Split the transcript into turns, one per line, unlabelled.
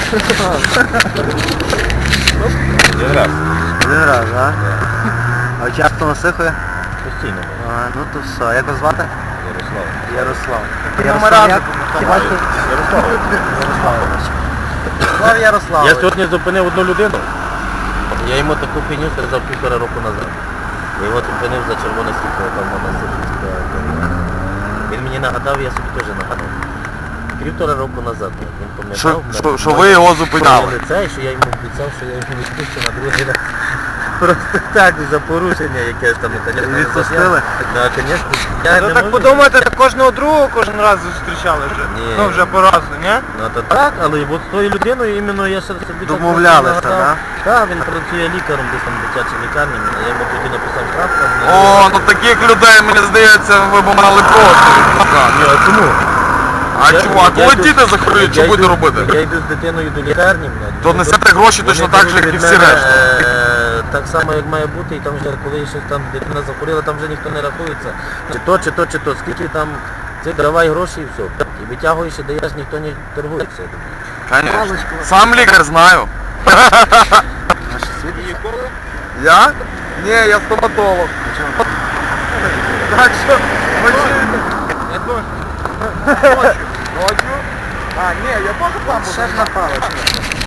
Один раз.
Один раз, так? А часто насихує?
Постійно.
Ну то все. Як вас звати?
Ярослав.
Ярослав.
Ярослав.
Як? Ярослав Ярослав.
Я сьогодні зупинив одну людину. Я йому таку фігню сказав 1,5 року назад. Я його зупинив за червоне світло, там вона Сибірська. Він мені нагадав, я собі теж нагадав. 1,5 року назад. Він пам'ятав.
Що ви його зупиняли?
Лице, що я йому обіцяв, що я йому відпущу на другий раз. Просто так, за порушення якесь там.
Відпустили?
Так, звісно. Я
Ну
не
так
можу.
подумайте, так кожного другого кожен раз зустрічали вже.
Ні.
Ну вже по разу, ні?
Ну то так, але от з тою людиною іменно я ще собі
Домовлялися,
так?
да?
Так, він працює лікарем десь там в дитячій лікарні, я йому тоді написав штраф.
О, ну таких людей, мені здається, ви б мали просто відпускати.
Ні, а чому?
А чому? А коли діти захворіють, що будете робити?
Я йду з дитиною до лікарні.
То несете гроші точно так же, як і всі решта.
Так само, як має бути, і там вже коли щось там дитина захворіла, там вже ніхто не рахується. Чи то, скільки там, це давай гроші і все. І витягуєш і даєш, ніхто не торгується.
Конечно. Сам лікар знаю.
Наш світ.
Я? Ні, я стоматолог.
Так що, ночью. А, ні, я теж там був.
Ще ж напало.